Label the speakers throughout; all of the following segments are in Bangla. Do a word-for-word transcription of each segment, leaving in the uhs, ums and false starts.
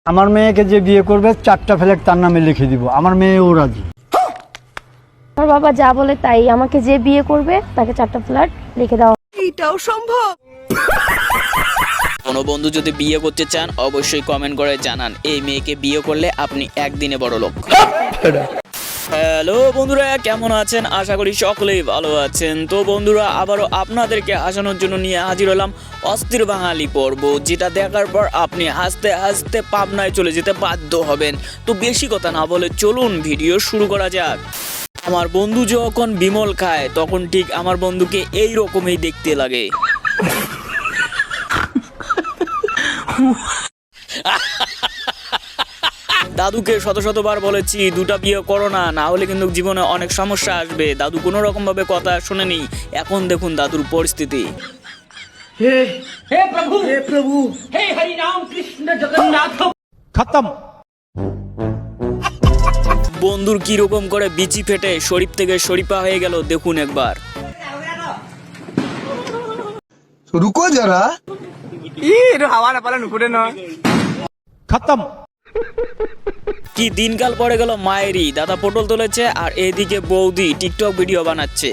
Speaker 1: আমার মেয়েকে যে বিয়ে করবে চারটা ফ্ল্যাট তার নামে লিখে দিব, আমার মেয়েও রাজি।
Speaker 2: আমার বাবা যা বলে তাই, আমাকে যে বিয়ে করবে তাকে চারটা ফ্ল্যাট লিখে দাও।
Speaker 3: এটাও সম্ভব?
Speaker 4: কোনো বন্ধু যদি বিয়ে করতে চান অবশ্যই কমেন্ট করে জানান, এই মেয়েকে বিয়ে করলে আপনি একদিনে বড় লোক। হ্যালো বন্ধুরা, কেমন আছেন? আশা করি সকলেই ভালো আছেন। তো বন্ধুরা, আবারও আপনাদেরকে হাসানোর জন্য নিয়ে হাজির হলাম অস্থির বাঙালি পর্ব, যেটা দেখার পর আপনি হাসতে হাসতে পাবনায় চলে যেতে বাধ্য হবেন। তো বেশি কথা না বলে চলুন ভিডিও শুরু করা যাক। আমার বন্ধু যখন বিমল খায় তখন ঠিক আমার বন্ধুকে এই রকমই দেখতে লাগে। দাদুকে শত শতবার বলেছি দুটা বিয়ে করো না, না হলে কিন্তু জীবনে অনেক সমস্যা আসবে। দাদু কোনো রকম ভাবে কথা শুনেনি। এখন দেখুন দাদুর পরিস্থিতি।
Speaker 5: हे हे प्रभु हे प्रभु हे हरि राम कृष्ण जगन्नाथ
Speaker 1: খতম।
Speaker 4: বন্ধুর কি রকম করে বিচি ফেটে শরীফ থেকে শরীফা হয়ে গেল দেখুন একবার।
Speaker 6: रुको जरा
Speaker 1: খতম।
Speaker 4: কি দিনকাল পড়ে গেল মায়েরই। দাদা পটল তুলেছে আর এদিকে বৌদি টিকটক ভিডিও বানাচ্ছে।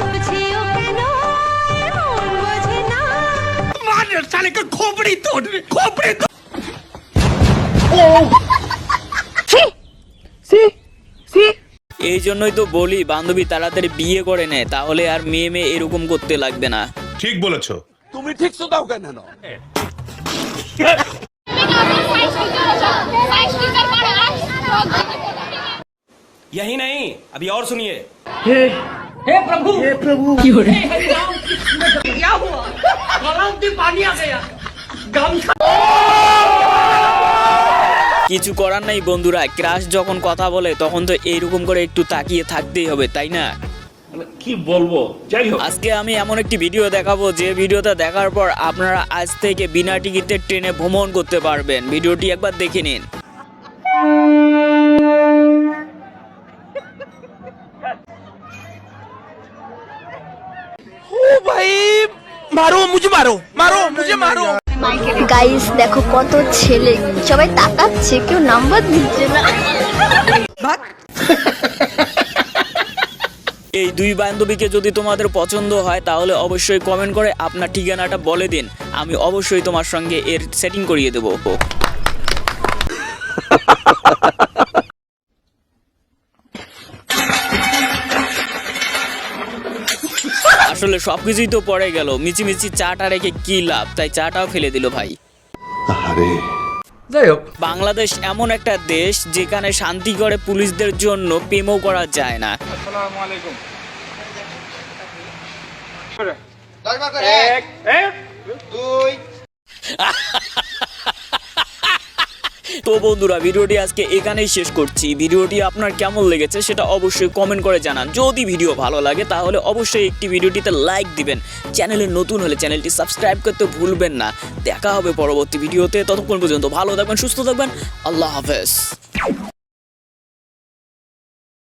Speaker 4: এই জন্যই তো বলি বান্ধবী তাড়াতাড়ি বিয়ে করে নে, তাহলে আর মেয়ে মেয়ে এরকম করতে লাগবে না।
Speaker 7: ঠিক বলেছো।
Speaker 6: তুমি ঠিক শুধাও কেন?
Speaker 8: यही नहीं, अभी और सुनिए।
Speaker 5: हे हे प्रभु हे प्रभु हे हरि राम कृष्ण जगन्नाथ क्या हुआ? गलाव में पानी आ गया। गामछा
Speaker 4: কিছু করার নাই বন্ধুরা, ক্রাশ যখন কথা বলে তখন তো এইরকম করে একটু তাকিয়ে থাকতেই হবে, তাই না?
Speaker 7: কি বলবো, যাই হোক।
Speaker 4: আজকে আমি এমন একটি ভিডিও দেখাবো যে ভিডিওটা দেখার পর আপনারা আজ থেকে বিনা টিকিটে ট্রেনে ভ্রমণ করতে পারবেন। ভিডিওটি একবার দেখে নিন।
Speaker 6: ओ भाई मारो मुझे, मारो मारो मुझे, मारो।
Speaker 2: গাইস দেখো কত ছেলে, সবাই তাকাচ্ছে, কেউ নাম্বার দিচ্ছে না।
Speaker 4: এই দুই বান্ধবীকে যদি তোমাদের পছন্দ হয় তাহলে অবশ্যই কমেন্ট করে আপনার ঠিকানাটা বলে দিন, আমি অবশ্যই তোমার সঙ্গে এর সেটিং করিয়ে দেবো। আসলে সবকিছুই তো পড়ে গেল, মিচিমিচি চাটা রেখে কি লাভ, তাই চাটাও ফেলে দিল ভাই।
Speaker 6: যাই হোক,
Speaker 4: বাংলাদেশ এমন একটা দেশ যেখানে শান্তি করে পুলিশদের জন্য প্রেমও করা যায় না। তো বন্ধুরা, ভিডিওটি আজকে এখানেই শেষ করছি। ভিডিওটি আপনার কেমন লেগেছে সেটা অবশ্যই কমেন্ট করে জানান। যদি ভিডিও ভালো লাগে তাহলে অবশ্যই একটি ভিডিওটিতে লাইক দিবেন। চ্যানেলে নতুন হলে চ্যানেলটি সাবস্ক্রাইব করতে ভুলবেন না। দেখা হবে পরবর্তী ভিডিওতে, ততক্ষণ পর্যন্ত ভালো থাকবেন, সুস্থ থাকবেন। আল্লাহ হাফেজ।